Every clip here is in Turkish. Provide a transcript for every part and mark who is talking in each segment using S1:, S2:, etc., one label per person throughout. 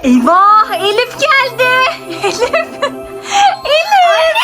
S1: Eyvah, Elif geldi. Elif.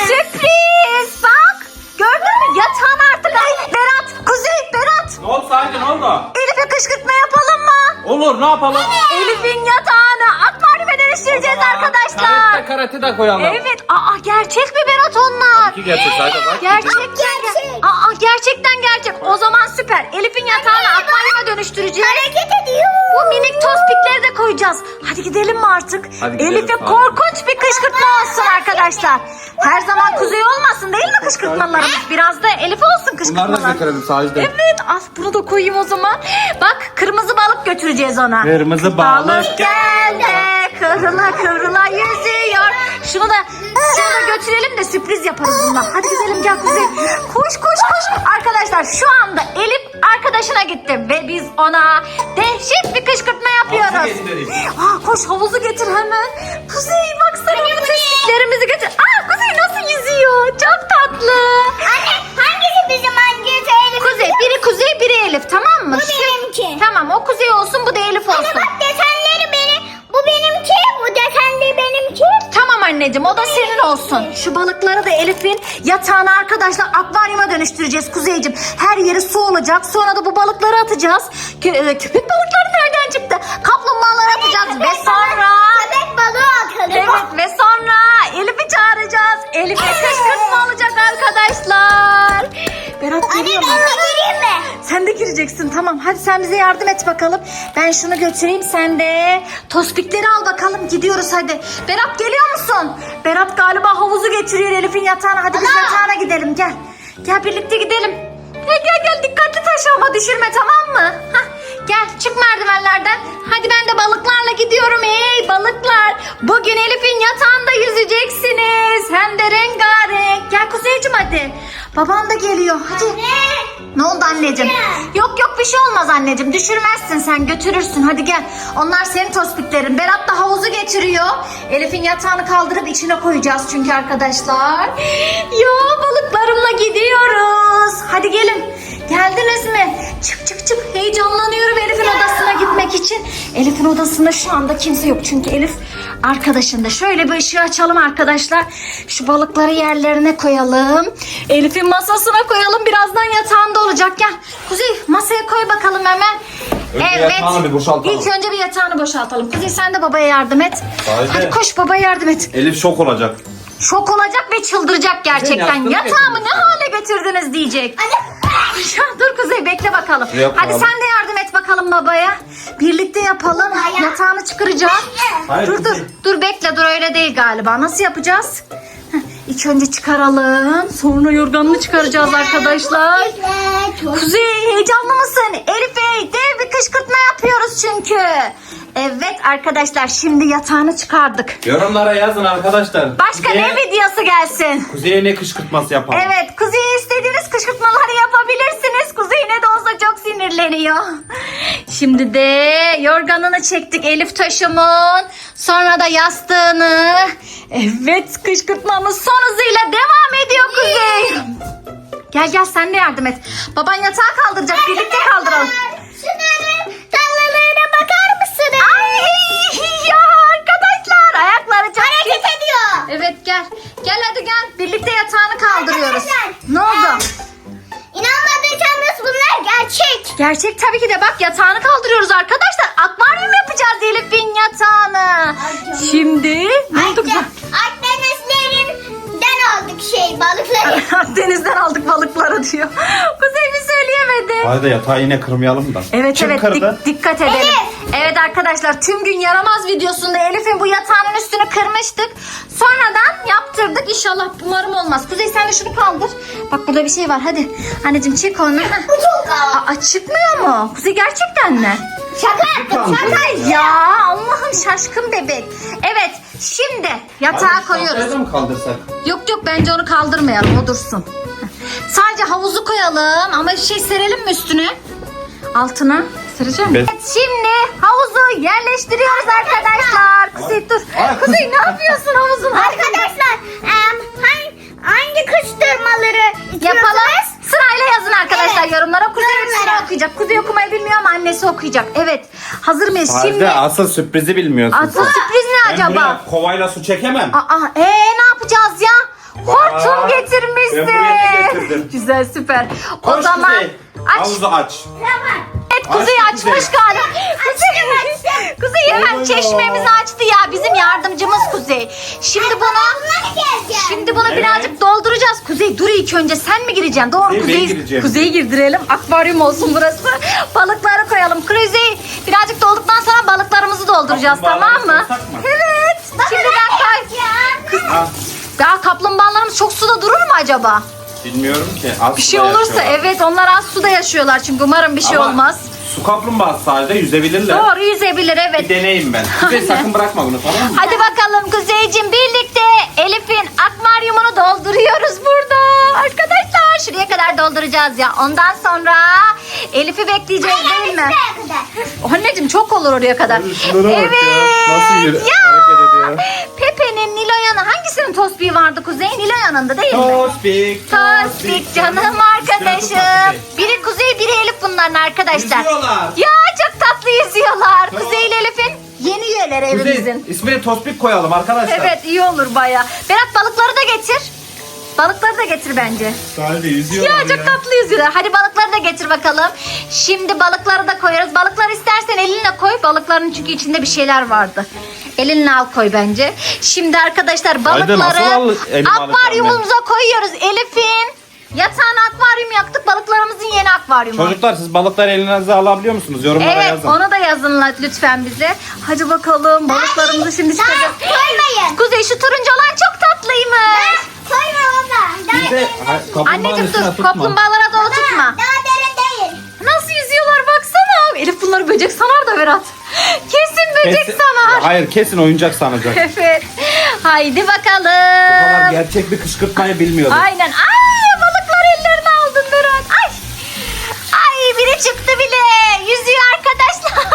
S1: Sürpriz. Bak. Gördün mü? Yatağın artık. Ay, Berat. Kuzey, Berat.
S2: Ne oldu Sakin, ne oldu?
S1: Elif'e kışkırtma yapalım mı?
S2: Olur, ne yapalım?
S1: Elif'in yatağını akvaryuma dönüştüreceğiz arkadaşlar.
S2: Karate de koyalım.
S1: Evet. Aa, gerçek mi Berat onlar?
S2: İki gerçek Sakin bak.
S1: Gerçekten. Aa, gerçekten gerçek. O zaman süper. Elif'in yatağını akvaryuma dönüştüreceğiz.
S3: Hareket ediyor.
S1: Bu minik tospikleri de koyacağız. Hadi gidelim mi artık?
S2: Hadi gidelim,
S1: Elif'e
S2: hadi.
S1: korkunç bir kışkırtma olsun arkadaşlar. Her zaman Kuzey olmasın değil mi kışkırtmalarımız? Biraz da Elif olsun
S2: Bunları da
S1: kışkırtmalar.
S2: getirelim Sakin.
S1: Evet, bunu da koyayım o zaman. Bak, kırmızı balık götüreceğiz ona.
S2: Kırmızı balık
S1: geldi, kıvrıla kıvrıla yüzüyor. Şunu da götürelim de sürpriz yaparız bununla. Hadi gidelim, gel Kuzey. Koş koş koş. Arkadaşlar şu anda Elif arkadaşına gitti ve biz ona dehşet bir kışkırtma yapıyoruz.
S2: Havuzu getireyim.
S1: Koş, havuzu getir hemen. Kuzey baksana, bu tespitlerimizi getir. Kuzey nasıl yüzüyor? Çok tatlı.
S3: Anne hangisi bizim hangisi Elif?
S1: Kuzey, biri Kuzey, biri Elif, tamam mı?
S3: Bu benimki.
S1: Tamam, o Kuzey olsun, bu da Elif olsun.
S3: Anne bak desenleri benim. Bu benimki. Bu desenleri benimki.
S1: Tamam anneciğim, o da senin olsun. Şu balıkları da Elif'in yatağına arkadaşlar akvaryuma dönüştüreceğiz Kuzeyciğim. Her yeri su olacak. Sonra da bu balıkları atacağız. Köpek balıkları nereden çıktı? Kaplumbağaları atacağız ve sonra...
S3: Köpek balığı atalım.
S1: Evet, ve sonra Elif'i çağıracağız. Elif'e kışkırtma olacak arkadaşlar. Berat
S3: Anne
S1: geliyor
S3: ben
S1: mu?
S3: de gireyim mi?
S1: Sen de gireceksin, tamam. Hadi sen bize yardım et bakalım. Ben şunu götüreyim, sen de tospikleri al bakalım. Gidiyoruz hadi. Berat geliyor musun? Berat galiba havuzu getiriyor Elif'in yatağına. Hadi biz yatağına gidelim, gel. Gel birlikte gidelim. Gel dikkatli taşı ama düşürme, tamam mı? Hah, gel çık merdivenlerden. Hadi ben de balıklarla gidiyorum. Hey balıklar. Bugün Elif'in yatağında yüzeceksiniz. Hem de rengarenk. Gel Kuzeyciğim hadi. Baban da geliyor. Hadi. Ne oldu anneciğim? Yok bir şey olmaz anneciğim. Düşürmezsin sen, götürürsün. Hadi gel. Onlar senin tospiklerin. Berat da havuzu getiriyor. Elif'in yatağını kaldırıp içine koyacağız çünkü arkadaşlar. Ya balıklarımla gidiyoruz. Hadi gelin. Geldiniz mi? Çık. Heyecanlanıyorum Elif'in odasına gitmek için. Elif'in odasında şu anda kimse yok. Çünkü Elif arkadaşında. Şöyle bir ışığı açalım arkadaşlar. Şu balıkları yerlerine koyalım. Elif'in masasına koyalım. Birazdan yatağında olacak. Gel. Kuzey masaya koy bakalım hemen.
S2: Önce yatağını bir boşaltalım.
S1: İlk önce bir yatağını boşaltalım. Kuzey sen de babaya yardım et.
S2: Haydi.
S1: Hadi koş, babaya yardım et.
S2: Elif şok olacak.
S1: Şok olacak ve çıldıracak gerçekten.
S2: Yastık
S1: Yatağımı ne
S2: getirdin.
S1: hale getirdiniz diyecek. Ya dur Kuzey, bekle bakalım.
S2: Yapalım.
S1: Hadi sen de yardım et bakalım babaya. Birlikte yapalım. Yatağını çıkaracağım.
S2: Hayır,
S1: Dur
S2: Kuzey.
S1: dur bekle, dur öyle değil galiba. Nasıl yapacağız? İlk önce çıkaralım. Sonra yorganını çıkaracağız arkadaşlar. Kuzey heyecanlı mısın? Elif'e dev bir kışkırtma yapıyoruz çünkü. Evet arkadaşlar, şimdi yatağını çıkardık.
S2: Yorumlara yazın arkadaşlar.
S1: Başka ne videosu gelsin?
S2: Kuzey'e ne kışkırtması yapalım?
S1: Evet, Kuzey'e istediğiniz kışkırtmaları yapabilirsiniz. Kuzey ne de olsa çok sinirleniyor. Şimdi de yorganını çektik Elif taşımın. Sonra da yastığını. Evet, kışkırtmamız son hızıyla devam ediyor Kuzey. Gel sen de yardım et. Baban yatağı kaldıracak, birlikte kaldıralım.
S3: Şunların tallalarına bakar mısınız?
S1: Ay ya arkadaşlar, ayakları çok
S3: Hareket ediyor.
S1: Evet gel hadi gel. Birlikte yatağını kaldırıyoruz.
S3: Arkadaşlar,
S1: Ne oldu?
S3: İnanmadıysanız bunlar gerçek.
S1: Gerçek tabii ki de, bak yatağını kaldırıyoruz arkadaşlar. Akvaryum yapacağız Elif'in yatağını. Şimdi ne oldu kızım?
S3: Akdenizlerinden aldık balıkları.
S1: Denizden aldık balıkları diyor. Kuzey bir söyleyemedi.
S2: Hadi yatağı yine kırmayalım da.
S1: Evet
S2: Kim
S1: evet
S2: kırdı?
S1: dikkat edelim.
S3: Elif.
S1: Evet arkadaşlar, tüm gün yaramaz videosunda Elif'in bu yatağının üstünü kırmıştık. Sonradan yaptırdık. İnşallah umarım olmaz. Kuzey sen de şunu kaldır. Bak burada bir şey var, hadi. Anneciğim çek onu.
S3: Bu çok ağır.
S1: Çıkmıyor mu? Kuzey gerçekten mi?
S3: Şaka yaptım. Şaka.
S1: Ya Allah'ım, şaşkın bebek. Evet şimdi yatağa koyuyoruz.
S2: Şuraya da mı kaldırsak?
S1: Yok bence onu kaldırmayalım, o dursun. Sadece havuzu koyalım ama bir şey serelim mi üstüne? Altına sereceğim.
S2: Evet.
S1: Evet, şimdi havuzu yerleştiriyoruz arkadaşlar. Kuzey dur. Kuzey ne yapıyorsun havuzun?
S3: Arkadaşlar hangi kıştırmaları
S1: Yapalım. Sırayla yazın arkadaşlar
S3: Evet.
S1: yorumlara. Kuzey
S3: Yorumlara.
S1: hepsini okuyacak. Kuzey okumayı bilmiyor ama annesi okuyacak. Evet. Hazır mıyız?
S2: Sade
S1: Şimdi
S2: asıl sürprizi bilmiyorsun.
S1: asıl sürpriz ne
S2: Ben
S1: acaba?
S2: buraya kovayla su çekemem.
S1: Ne yapacağız ya? Hortum
S2: Bak,
S1: getirmişsin.
S2: ben buraya ne getirdim?
S1: Güzel, süper. O
S2: Koş
S1: zaman
S2: Kuzey,
S1: aç.
S2: havuzu aç.
S3: Tamam.
S1: Evet, Kuzey
S2: Açtı
S1: açmış
S2: Kuzey.
S1: galiba. Kuzey hemen
S2: Oluyor.
S1: çeşmemizi açtı ya. Bizim yardımcımız Kuzey. Şimdi bunu
S3: Bunları geleceğim.
S1: Şimdi bunu
S2: Evet.
S1: birazcık dolduracağız. Kuzey dur ilk önce sen mi gireceksin? Doğru,
S2: Ben
S1: Kuzey.
S2: gireceğim.
S1: Kuzey'i girdirelim. Akvaryum olsun burası. Balıkları koyalım. Kuzey birazcık dolduktan sonra balıklarımızı dolduracağız, tamam mı?
S2: Kaplumbağaları koysak mı?
S1: Evet. Şimdi ben
S2: Ha,
S1: Ya kaplumbağalarımız çok suda durur mu acaba?
S2: bilmiyorum ki. Az
S1: Bir şey
S2: suda
S1: olursa
S2: yaşıyorlar.
S1: evet, onlar az suda yaşıyorlar çünkü umarım bir şey
S2: Ama
S1: olmaz.
S2: Su kaplumbağası sadece yüzebilirler.
S1: Doğru, yüzebilir
S2: Bir
S1: evet.
S2: deneyim ben. Kuzey sakın bırakma bunu, tamam mı?
S1: Hadi bakalım Kuzeyciğim, birlikte Elif'in akvaryumunu dolduruyoruz burada. Arkadaşlar şuraya kadar dolduracağız ya. Ondan sonra Elif'i bekleyeceğiz değil mi?
S3: Şuraya kadar.
S1: Anneciğim çok olur oraya kadar.
S2: Şunlara bak ya. Nasıl hareket ediyor?
S1: Pepe'nin, Nilo'yanın hangisinin tosbiği vardı Kuzey? Nilo'yanın da değil mi?
S2: Tospik,
S1: Tospik canım arkadaşım. Biri Kuzey, biri Elif bunların arkadaşlar.
S2: Yüzüyorlar.
S1: Ya çok tatlı yüzüyorlar. Kuzey ile Elif'in yeni üyeleri
S2: Kuzey,
S1: evimizin.
S2: ismini Tospik koyalım arkadaşlar.
S1: Evet, iyi olur baya. Berat balıkları da getir. Balıkları da getir bence.
S2: Sadece yüzüyorlar
S1: Ya çok tatlı yüzüyorlar. Hadi balıkları da getir bakalım. Şimdi balıkları da koyarız. Balıkları istersen elinle koy. Balıkların çünkü içinde bir şeyler vardı. Elinle al koy bence. Şimdi arkadaşlar
S2: Haydi,
S1: balıkları
S2: nasıl elime
S1: akvaryumumuza koyuyoruz. Elif'in yatağına akvaryum yaktık. Balıklarımızın yeni akvaryumu.
S2: Çocuklar, siz balıkları elinize alabiliyor musunuz? Yorumlara
S1: Evet,
S2: yazın.
S1: onu da yazın lütfen bize. Hadi bakalım balıklarımızı şimdi çıkacağız.
S3: Koymayın.
S1: Kuzey, şu turuncu olan çok tatlıymış.
S3: Koyma baba.
S2: Bir de kaplumbağanın
S1: Anneciğim
S2: üstüne
S1: dur,
S2: tutma.
S1: kaplumbağalara doğru tutma.
S3: Daha derin değil.
S1: Nasıl yüzüyorlar baksana. Elif bunları böcek sanar da Berat. Kesin böcek
S2: Kesin-
S1: sanar.
S2: Hayır, kesin oyuncak sanacak.
S1: Evet. Haydi
S2: Bu kadar
S1: bakalım.
S2: gerçek bir kışkırtmayı bilmiyordum.
S1: Aynen. Ay, balıklar ellerine aldın Berat. Ay. Ay, biri çıktı bile. Yüzüyor arkadaşlar.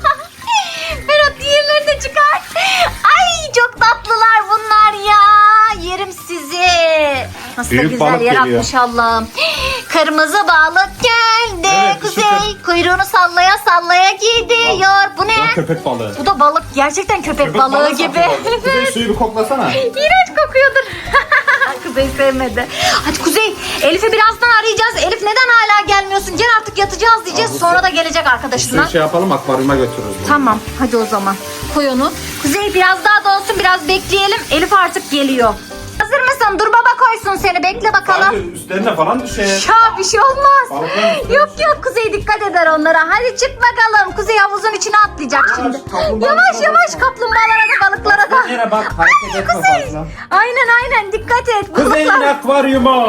S1: Berat diğerlerini de çıkar. Ay, çok tatlılar bunlar ya. Yerim sizi. Nasıl da
S2: Büyük
S1: güzel
S2: balık
S1: yaratmış Allah'ım. Kırmızı balık geldi.
S2: Evet,
S1: Kuzey kuyruğunu sallaya sallaya gidiyor. Bu
S2: Bu da
S1: ne?
S2: köpek balığı.
S1: Bu da balık. Gerçekten köpek balığı gibi.
S2: satıyorlar. Kuzey, suyu bir koklasana.
S1: İğrenç kokuyordur. Kuzey sevmedi. Hadi Kuzey, Elif'i birazdan arayacağız. Elif neden hala gelmiyorsun? Gel artık, yatacağız diyeceğiz. Sonra da gelecek arkadaşından.
S2: Suyu şey yapalım, akvaryuma götürürüz. bunu.
S1: Tamam, hadi o zaman. Koy onu. Kuzey biraz daha donsun, biraz bekleyelim. Elif artık geliyor. Hazır mısın? Dur baba koysun seni. Bekle bakalım.
S2: Hadi üstlerine falan düşer.
S1: Ya bir şey olmaz.
S2: Balıkların üstüne
S1: Yok yok, Kuzey dikkat eder onlara. Hadi çık bakalım. Kuzey havuzun içine atlayacak şimdi.
S2: kaplumbağanın
S1: Yavaş
S2: içine
S1: yavaş,
S2: basma.
S1: kaplumbağalara da balıklara da.
S2: Yere bak, hareket etme
S1: Kuzey.
S2: fazla.
S1: Aynen dikkat et.
S2: Kuzey'in
S1: Balıklar.
S2: akvaryumu.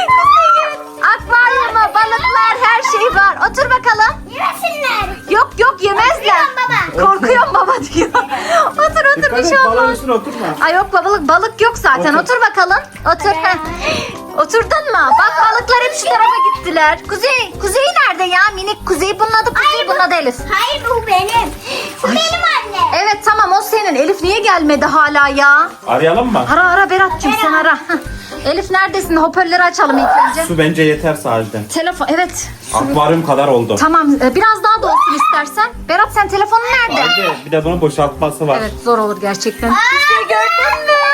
S1: Akvaryumda balıklar, her şey var. Otur bakalım.
S3: Yemesinler.
S1: Yok yemezler. Korkuyorum baba diyor. Otur
S2: Dikkat
S1: bir
S2: et,
S1: şey
S2: balığın
S1: olmaz.
S2: üstüne oturma.
S1: Ay yok balık yok zaten.
S2: Otur.
S1: Otur bakalım. Otur. Heh. Oturdun mu? Bak balıklar hep şu tarafa gittiler. Kuzey nerede ya? Minik Kuzey. Bunun adı Kuzey, bunun adı Elif.
S3: Hayır bu benim. Bu benim annem.
S1: Evet tamam, o senin. Elif niye gelmedi hala ya?
S2: Arayalım mı?
S1: Ara Berat'cığım, sen ara. Heh. Elif neredesin? Hoparlörü açalım ilk önce.
S2: Su bence yeter sadece.
S1: Telefon, evet.
S2: Akvaryum kadar oldu.
S1: Tamam, biraz daha dolsun istersen. Berat, sen telefonun nerede?
S2: Haydi, bir de bunun boşaltması var.
S1: Evet, zor olur gerçekten. Kuzey gördün mü?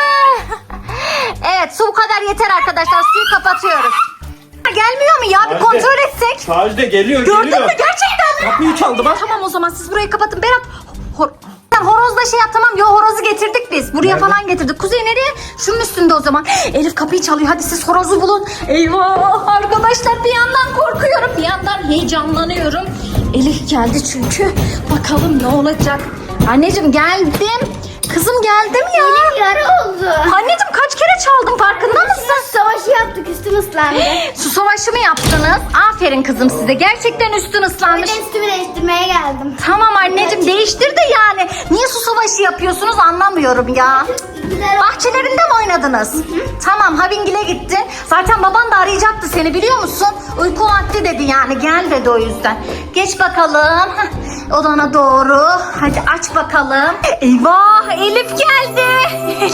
S1: Evet, su bu kadar yeter arkadaşlar. Suyu kapatıyoruz. Gelmiyor mu ya? Bir
S2: Sadece-
S1: kontrol etsek.
S2: Sadece geliyor,
S1: Gördün
S2: geliyor.
S1: mü gerçekten mi?
S2: Kapıyı çaldı bak.
S1: Tamam, o zaman siz burayı kapatın. Berat, sen horozla şey yap, tamam. Yo, horozu getirdik biz. Buraya
S2: Nerede?
S1: falan getirdik. Kuzey nereye? Şunun üstünde o zaman. Elif kapıyı çalıyor. Hadi siz horozu bulun. Eyvah arkadaşlar, bir yandan korkuyorum, bir yandan heyecanlanıyorum. Elif geldi çünkü. Bakalım ne olacak. Anneciğim geldim. Kızım geldim ya.
S3: Benim yara oldu.
S1: Anneciğim kaç kere çaldım, farkında mısın?
S3: Savaşı yaptık, üstüm ıslandı.
S1: Su savaşı mı yaptınız? Aferin kızım size. Gerçekten üstün ıslanmış.
S3: Bir de üstümü değiştirmeye geldim.
S1: Tamam anneciğim, değiştir de yani. Niye su savaşı yapıyorsunuz anlamıyorum ya.
S3: Güzel oldu.
S1: Bahçelerinde mi oynadınız? Tamam, Havingil'e gitti. Zaten baban da arayacaktı seni, biliyor musun? Uyku vakti dedi yani, gel dedi o yüzden. Geç bakalım. Heh, odana doğru. Hadi aç bakalım. Eyvah, Elif geldi.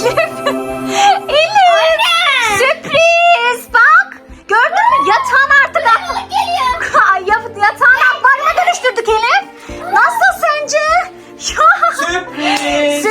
S1: Elif. Sürpriz. Bak. Gördün mü? Yatağın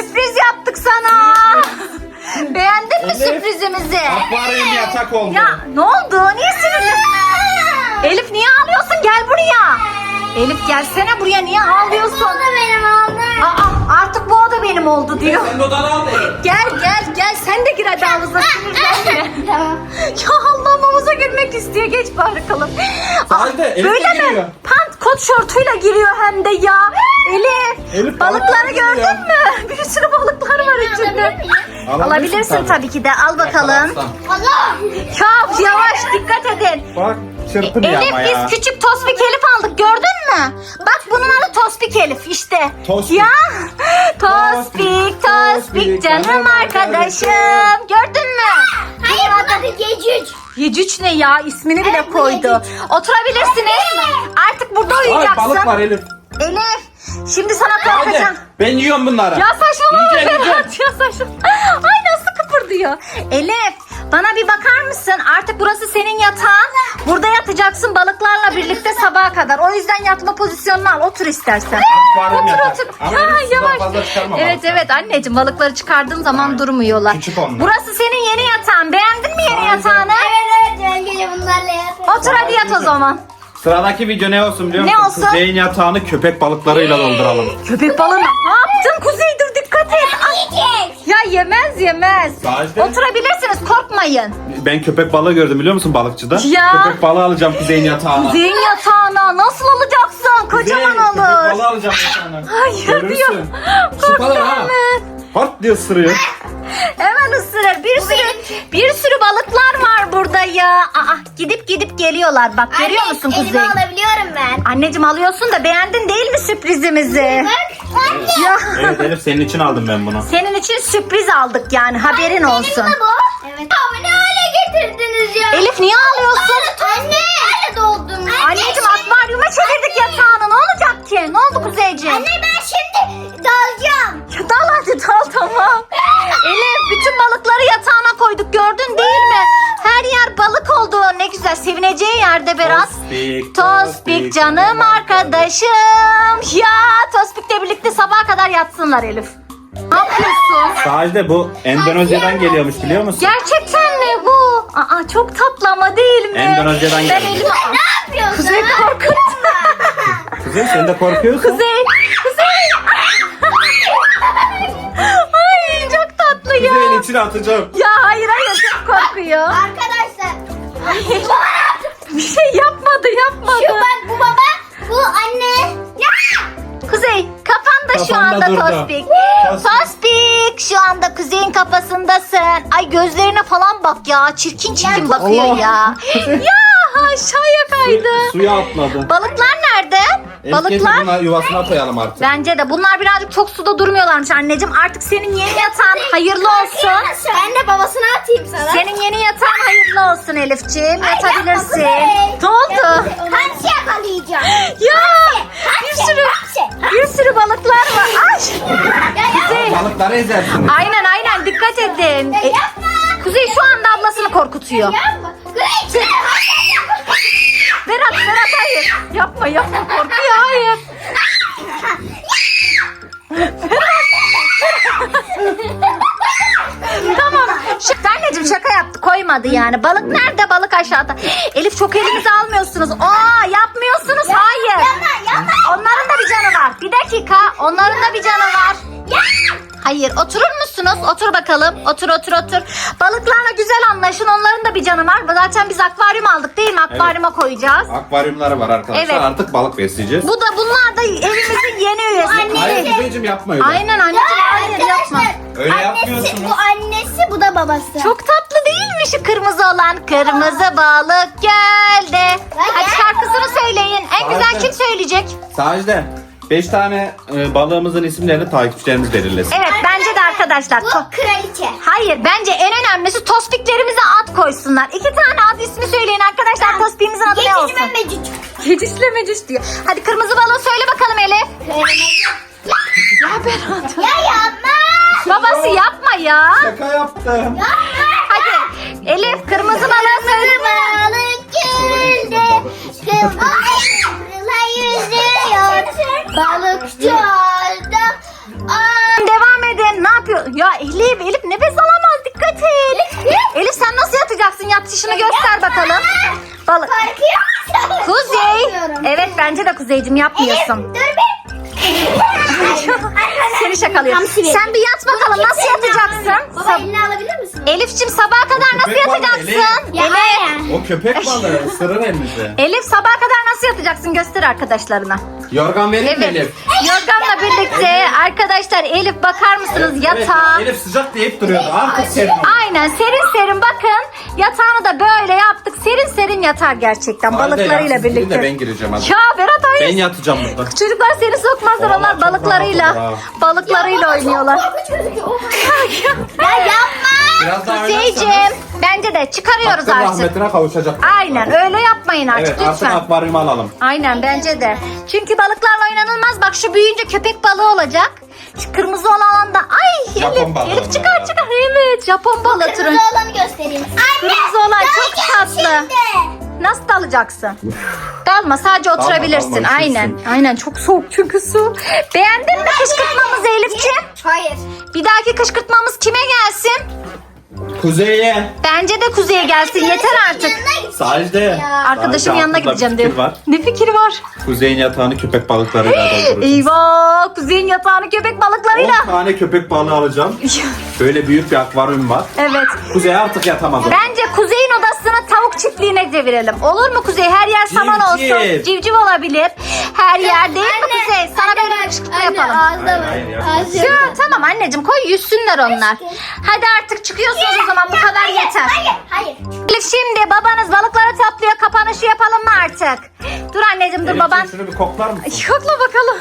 S1: sürpriz yaptık sana. Beğendin mi
S2: Elif,
S1: sürprizimizi?
S2: Akvaryum yatak oldu.
S1: Ya ne oldu? Niye sinirli? Elif niye ağlıyorsun? Gel buraya. Elif gelsene buraya, niye ağlıyorsun?
S3: Bu da benim oldu.
S1: Aa, artık bu oda benim oldu diyor.
S2: Sen de odanı al Elif.
S1: Gel sen de gir hadi havuza, sinirlenme.
S3: Tamam.
S1: Ya Allah'ım, havuza girmek istiyor, geç bakalım.
S2: Sadece Elif de
S1: Böyle
S2: giriyor.
S1: mi? Pant kot şortuyla giriyor hem de ya.
S2: Elif,
S1: Balıkları
S2: balıklar
S1: gördün
S2: giriyor.
S1: mü? Bir sürü balıklar var içinde. Alabilirsin tabii ki de, al bakalım.
S3: Allah.
S1: Ya yavaş, dikkat edin.
S2: Bak çırpınıyor
S1: Elif,
S2: ama ya.
S1: biz küçük tospik Elif aldık, gördün mü? Bak bunun adı tospik Elif işte.
S2: Tospik.
S1: Ya tospik canım arkadaşım. Gördün mü?
S3: Hayır bu da bir gecüc.
S1: Yecüc ne ya, ismini bile
S3: Evet,
S1: koydu.
S3: Yecüc.
S1: Oturabilirsiniz. Artık burada
S2: Ay balık var
S1: uyuyacaksın.
S2: Elif.
S1: Elif, şimdi sana
S2: Hadi.
S1: korkacağım.
S2: Ben yiyorum bunları.
S1: Ya saçmalama
S2: Yiyeceğim,
S1: Berat, ya saçmalama. Ay nasıl kıpırdıyor. Elif, bana bir bakar mısın? Artık burası senin yatağın. Burada yatacaksın balıklarla birlikte sabaha kadar. O yüzden yatma pozisyonunu al, otur istersen.
S2: Akvaryum yatak.
S1: Otur.
S2: Ama
S1: Ya
S2: Elif, sudan
S1: yavaş.
S2: fazla çıkarma
S1: Evet
S2: balıkları.
S1: evet anneciğim, balıkları çıkardığın zaman durmuyorlar.
S2: Küçük onlar.
S1: Burası senin yeni yatağın. Beğendin mi yeni
S2: Aynen.
S1: yatağını?
S3: Evet ben gece bunlarla yatarım.
S1: Otur hadi yat o zaman.
S2: Sıradaki video ne olsun biliyor
S1: Ne
S2: musun?
S1: olsun?
S2: Kuzey'in yatağını köpek balıklarıyla dolduralım.
S1: Köpek balığı ne yaptın Kuzey, dur dikkat et. Ay.
S3: Yiyecek.
S1: Ya yemez.
S2: Sadece-
S1: Oturabilirsiniz, korkmayın.
S2: Ben köpek balığı gördüm biliyor musun balıkçıda?
S1: Ya.
S2: Köpek balığı alacağım Kuzey'in yatağına.
S1: Kuzey'in yatağına nasıl alacaksın? Kocaman
S2: Kuzey, köpek
S1: olur.
S2: balığı alacağım yatağına.
S1: Hayır
S2: Görürsün.
S1: diyor.
S2: Su kalır ha.
S1: Korkma.
S2: Hart diye ısırıyor.
S1: Hemen ısırır. Bir sürü balıklar var burada ya. Aa, gidip geliyorlar. Bak görüyor
S3: Anne,
S1: musun
S3: elime
S1: Kuzey?
S3: alabiliyorum ben.
S1: Anneciğim alıyorsun da, beğendin değil mi sürprizimizi?
S3: Bak. Anne.
S1: Ya
S2: Evet Elif senin için aldım ben bunu.
S1: senin için sürpriz aldık yani, haberin olsun.
S3: Benim de bu. Evet. Ama ne hale getirdiniz ya?
S1: Elif niye ağlıyorsun?
S3: Anne. Nerede doldun?
S1: Anneciğim akvaryuma çevirdik yatağını. Ne olacak ki? Ne oldu Kuzeyciğim?
S3: Anne ben şimdi dalacağım.
S1: Ya dal hadi dal, tamam. Elif, bütün balıkları yatağına koyduk, gördün değil mi? Her yer balık oldu. Ne güzel, sevineceği yerde Berat. Tospik canım arkadaşım. Ya Tospik'le birlikte sabaha kadar yatsınlar Elif. Ne yapıyorsun?
S2: Sahilde bu Endonezya'dan geliyormuş biliyor musun?
S1: Gerçekten mi bu? Aa, çok tatlı ama değil mi?
S2: Endonezya'dan
S1: Ben
S2: geldi.
S1: elime...
S3: Ne yapıyorsun?
S1: Kuzey korkuttu.
S2: Kuzey sen de korkuyorsun.
S1: Kuzey. Ay çok tatlı ya.
S2: Kuzey'in içine atacağım.
S1: Ya hayır çok korkuyor.
S3: Arkadaşlar.
S1: Bir şey yapmadı.
S3: Şu bak bu baba. Bu anne. Ya.
S1: Kuzey kafan da şu
S2: Kafanda
S1: anda
S2: durdu.
S1: Tospik.
S2: Tospik.
S1: Tospik şu anda Kuzey'in kafasındasın. Ay gözlerine falan bak ya. Çirkin bakıyor
S2: Allah.
S1: ya. Ya aşağıya kaydı.
S2: Suya atladı.
S1: Balıklar nerede?
S2: Balıklar.
S1: Balıklar.
S2: Yuvasına koyalım artık.
S1: Bence de bunlar birazcık çok suda durmuyorlarmış anneciğim. Artık senin yeni yatağın hayırlı olsun.
S3: Ben de babasına atayım sana.
S1: Senin yeni yatağın hayırlı olsun Elifciğim. Yatabilirsin.
S3: yapma
S1: Ne oldu?
S3: Hamsi yakalayacağım.
S1: Ya bir sürü balıklar var. Ay. Kuzey.
S2: Balıkları ezersin.
S1: Aynen dikkat edin.
S3: Yapma.
S1: Kuzey şu anda ablasını korkutuyor.
S3: Yapma.
S1: Berat hayır. Yapma korkuyor, hayır. Tamam. Anneciğim şaka yaptı, koymadı yani. Balık nerede? Balık aşağıda. Elif çok elinize almıyorsunuz. Yapmıyorsunuz. Hayır.
S3: Yapma.
S1: Onların da bir canı var. Bir dakika. Onların da bir canı var. Hayır, oturur musunuz? Otur bakalım. Otur. Balıklarla güzel anlaşın. Onların da bir canı var. Zaten biz akvaryum aldık değil mi? Akvaryuma koyacağız.
S2: Akvaryumları var arkadaşlar.
S1: Evet.
S2: Artık balık besleyeceğiz.
S1: Bunlar da evimizin yeni üyesi.
S2: Hayır Kuzey'cim yapma öyle.
S1: Aynen anneciğim, hayır yapma.
S2: Öyle
S3: Annesi,
S2: yapmıyorsunuz.
S3: bu annesi bu da babası.
S1: Çok tatlı değil mi şu kırmızı olan? Kırmızı balık geldi. Hadi şarkısını söyleyin. En güzel
S2: Harika.
S1: kim söyleyecek?
S2: Sahilde 5 tane balığımızın isimlerini takipçilerimiz belirlesin.
S1: Evet bence de arkadaşlar.
S3: Bu kraliçe.
S1: Hayır, bence en önemlisi tospiklerimize ad koysunlar. 2 tane ad ismi söyleyin arkadaşlar. Tospiğimizin adı ne olsun?
S3: Getirme mecüc.
S1: Yedişle mecüş diyor. Hadi kırmızı balığı söyle bakalım Elif. Ya Berat.
S3: Ya yapma.
S1: Babası yapma ya.
S2: Şaka yaptım.
S1: Hadi Elif kırmızı balığı söyle.
S3: Balık gölde kıvrıla yüzüyor. Balık çölde.
S1: Devam edin. Ya Elif nefes alamaz, dikkat et. Elif sen nasıl yatacaksın? Yatışını göster bakalım. Balık.
S3: Korkuyor musun?
S1: Kuzey.
S3: Korkmuyorum.
S1: Evet bence de Kuzeycim yapmıyorsun.
S3: Dur bir.
S1: Seni şakalıyorum. Sen bir yat bakalım, nasıl yatacaksın?
S3: Baba elini alabilir misin?
S1: Elif'cim sabaha kadar nasıl
S2: Köpek balığı,
S1: yatacaksın?
S3: Ya hayır.
S2: O köpek balığı ısırır elinizi.
S1: Elif sabaha kadar nasıl yatacaksın? Göster arkadaşlarına.
S2: Yorgan vereyim mi
S1: Evet.
S2: Elif?
S1: Yorganla birlikte arkadaşlar Elif bakar mısınız yatağa?
S2: Evet, Elif sıcak deyip duruyordu. Artık serin.
S1: Aynen serin serin bakın. Yatağını da böyle yaptık. Serin serin yatar gerçekten
S2: Hadi
S1: balıklarıyla
S2: ya, siz girin
S1: birlikte.
S2: de ben gireceğim hadi.
S1: Ya Berat
S2: Ben
S1: hayır.
S2: yatacağım burada.
S1: Çocuklar seni sokmazlar,
S2: Vallahi
S1: onlar
S2: çok rahat
S1: balıklarıyla.
S2: olur ha.
S1: Balıklarıyla oynuyorlar.
S3: Korkunç gözüküyor. Ya yapma.
S2: Biraz daha
S1: Kuzeyciğim
S2: oynarsanız
S1: bence de çıkarıyoruz
S2: hakkın
S1: artık.
S2: rahmetine kavuşacak.
S1: Aynen öyle yapmayın artık
S2: Evet, artık
S1: lütfen.
S2: akvaryuma alalım.
S1: Aynen bence de. Çünkü balıklarla oynanılmaz. Bak şu büyüyünce köpek balığı olacak. Şu kırmızı olan da ay
S2: Japon
S1: Elif,
S2: balığı
S1: Elif çıkar
S2: onlar.
S1: çıkar. Evet Japon balığı türü.
S3: Kırmızı olanı göstereyim.
S1: Kırmızı olan çok tatlı. Nasıl dalacaksın? Dalma, sadece oturabilirsin.
S2: dalma,
S1: Aynen.
S2: üşürsün.
S1: Aynen çok soğuk çünkü su. Beğendin mi kışkırtmamızı Elifciğim?
S3: Hayır.
S1: Bir dahaki kışkırtmamız kime gelsin?
S2: Kuzey'e.
S1: Bence de Kuzey'e gelsin. Yeter artık.
S2: Sadece.
S1: Arkadaşımın yanına gideceğim diyor.
S2: Var.
S1: Ne fikir var?
S2: Kuzey'in yatağını köpek balıklarıyla dolduracağız.
S1: Eyvah! Kuzey'in yatağını köpek
S2: 10
S1: balıklarıyla.
S2: tane köpek balığı alacağım. Böyle büyük bir akvaryum var.
S1: Evet.
S2: Kuzey artık yatamaz. o.
S1: Bence Kuzey'in odasını tavuk çiftliğine çevirelim. Olur mu Kuzey? Her yer saman
S2: Civciv.
S1: olsun. Civciv olabilir. Her yer değil mi Kuzey? Sana böyle bir kışkırtma yapalım.
S3: Ağzı var.
S2: Hayır,
S3: Ağzı
S1: Ya tamam anneciğim, koy yüzsünler onlar. Hadi artık çıkıyorsunuz o zaman, bu kadar yeter.
S3: Hayır.
S1: Elif şimdi babanız balıkları topluyor, kapanışı yapalım mı artık? Dur anneciğim dur,
S2: Elif'ciğim,
S1: baban.
S2: şunu bir koklar mısın?
S1: Yokla bakalım.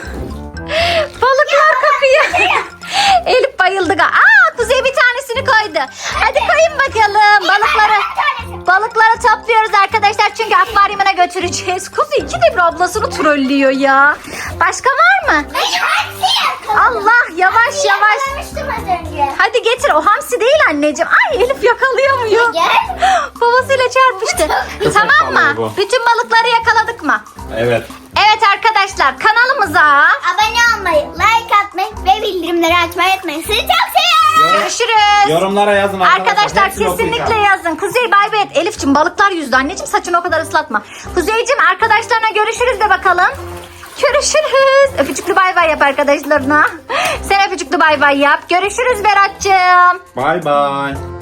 S1: Balıklar kapıyı. Elif bayıldı. Aa Kuzey bir tanesini koydu. Hadi koyun bakalım balıkları. Balıkları topluyoruz arkadaşlar çünkü akvaryumuna götüreceğiz. Kuzey ikide bir ablasını trollüyor ya. Başka var mı? Allah yavaş yavaş.
S3: Yakalamıştım az önce.
S1: Hadi getir, o hamsi değil anneciğim. Ay Elif yakalayamıyor.
S3: Gel.
S1: Babasıyla çarpıştı. Tamam mı?
S2: balığı bu.
S1: Bütün balıkları yakaladık mı?
S2: Evet.
S1: Evet arkadaşlar, kanalımıza
S3: Abone olmayı, like atmayı ve bildirimleri açmayı unutmayın. Sizi çok seviyorum.
S1: görüşürüz.
S2: Yorumlara yazın
S1: Arkadaşlar
S2: Hepsini
S1: kesinlikle
S2: okuyacağım.
S1: yazın. Kuzey bay bay et. Elif'cim balıklar yüzdü. Anneciğim saçını o kadar ıslatma. Kuzey'cim arkadaşlarına görüşürüz de bakalım. Görüşürüz. Öpücüklü bay bay yap arkadaşlarına. Sen öpücüklü bay bay yap. Görüşürüz Berat'cığım.
S2: Bay bay.